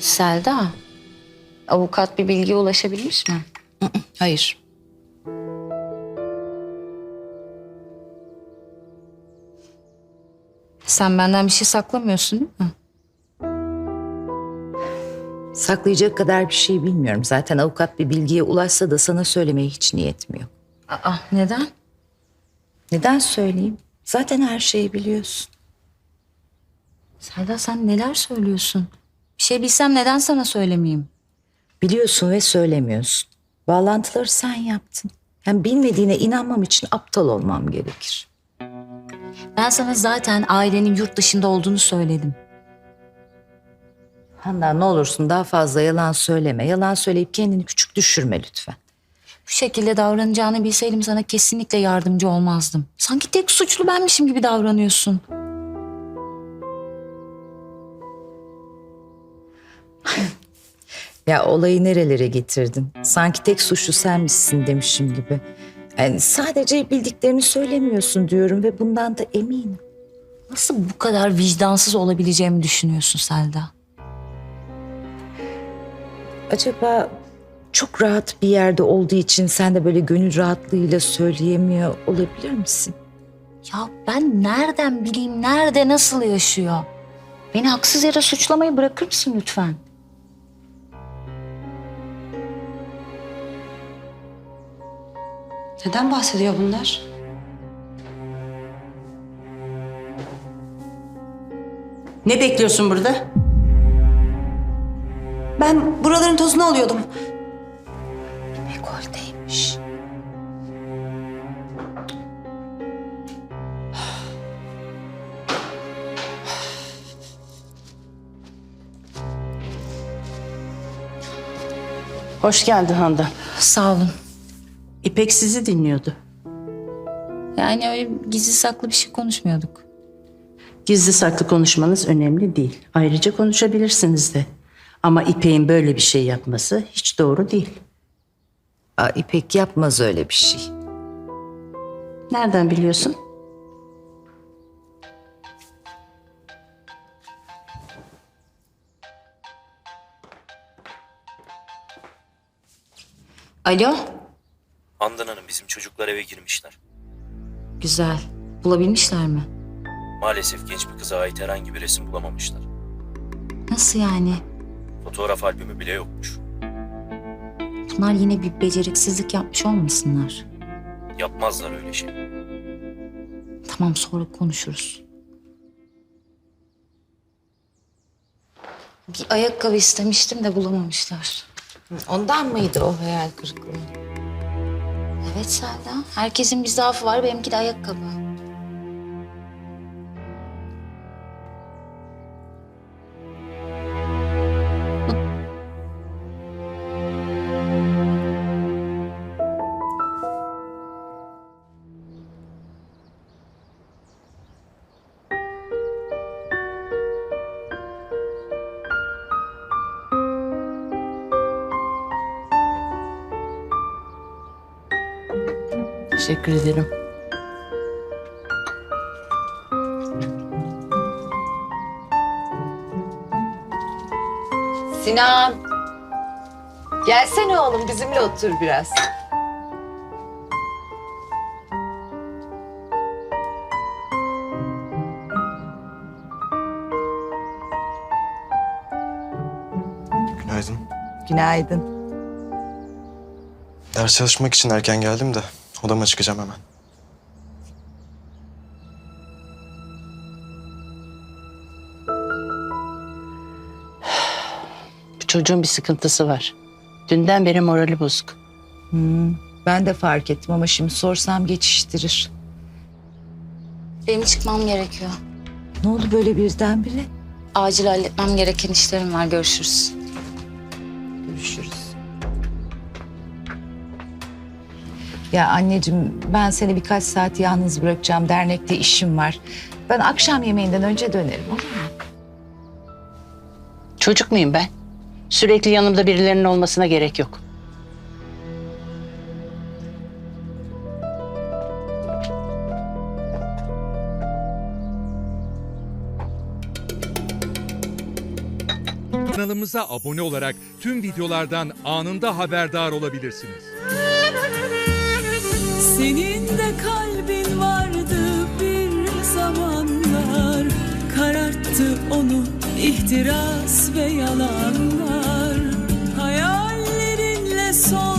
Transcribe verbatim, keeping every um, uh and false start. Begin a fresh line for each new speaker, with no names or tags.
Selda, avukat bir bilgiye ulaşabilmiş mi?
Hayır.
Sen benden bir şey saklamıyorsun değil mi?
Saklayacak kadar bir şey bilmiyorum. Zaten avukat bir bilgiye ulaşsa da sana söylemeye hiç niyetim yok.
Aa, neden?
Neden söyleyeyim? Zaten her şeyi biliyorsun.
Selda sen neler söylüyorsun? Bir şey bilsem neden sana söylemeyeyim?
Biliyorsun ve söylemiyorsun. Bağlantıları sen yaptın. Hem bilmediğine inanmam için aptal olmam gerekir.
Ben sana zaten ailenin yurt dışında olduğunu söyledim.
Handan ne olursun daha fazla yalan söyleme. Yalan söyleyip kendini küçük düşürme lütfen.
Bu şekilde davranacağını bilseydim sana kesinlikle yardımcı olmazdım. Sanki tek suçlu benmişim gibi davranıyorsun.
Ya olayı nerelere getirdin? Sanki tek suçlu senmişsin demişim gibi. Yani sadece bildiklerini söylemiyorsun diyorum ve bundan da eminim.
Nasıl bu kadar vicdansız olabileceğimi düşünüyorsun Selda?
Acaba çok rahat bir yerde olduğu için sen de böyle gönül rahatlığıyla söyleyemiyor olabilir misin?
Ya ben nereden bileyim nerede nasıl yaşıyor? Beni haksız yere suçlamayı bırakır mısın lütfen?
Neden bahsediyor bunlar?
Ne bekliyorsun burada?
Ben buraların tozunu alıyordum.
Dekolteymiş.
Hoş geldin Handan.
Sağ olun.
İpek sizi dinliyordu.
Yani öyle gizli saklı bir şey konuşmuyorduk.
Gizli saklı konuşmanız önemli değil. Ayrıca konuşabilirsiniz de. Ama İpek'in böyle bir şey yapması hiç doğru değil.
Aa, İpek yapmaz öyle bir şey.
Nereden biliyorsun?
Alo,
Handan Hanım, bizim çocuklar eve girmişler.
güzel. Bulabilmişler mi?
Maalesef genç bir kıza ait herhangi bir resim bulamamışlar.
Nasıl yani?
Fotoğraf albümü bile yokmuş.
Bunlar yine bir beceriksizlik yapmış olmasınlar.
Yapmazlar öyle şey.
Tamam, sonra konuşuruz. Bir ayakkabı istemiştim de bulamamışlar.
Ondan mıydı o hayal kırıklığı?
Evet Selda, herkesin bir zaafı var, benimki de ayakkabı.
Teşekkür ederim.
Sinan. Gelsene oğlum bizimle otur biraz.
Günaydın.
Günaydın.
Ders çalışmak için erken geldim de odama çıkacağım hemen.
Bu çocuğun bir sıkıntısı var. Dünden beri morali bozuk.
Ben de fark ettim ama şimdi sorsam geçiştirir.
Benim çıkmam gerekiyor.
Ne oldu böyle birdenbire?
Acil halletmem gereken işlerim var, görüşürüz.
Görüşürüz. Ya anneciğim ben seni birkaç saat yalnız bırakacağım. Dernekte işim var. Ben akşam yemeğinden önce dönerim olur mu?
Çocuk muyum ben? Sürekli yanımda birilerinin olmasına gerek yok.
Kanalımıza abone olarak tüm videolardan anında haberdar olabilirsiniz.
Senin de kalbin vardı bir zamanlar, kararttı onu ihtiras ve yalanlar. Hayallerinle son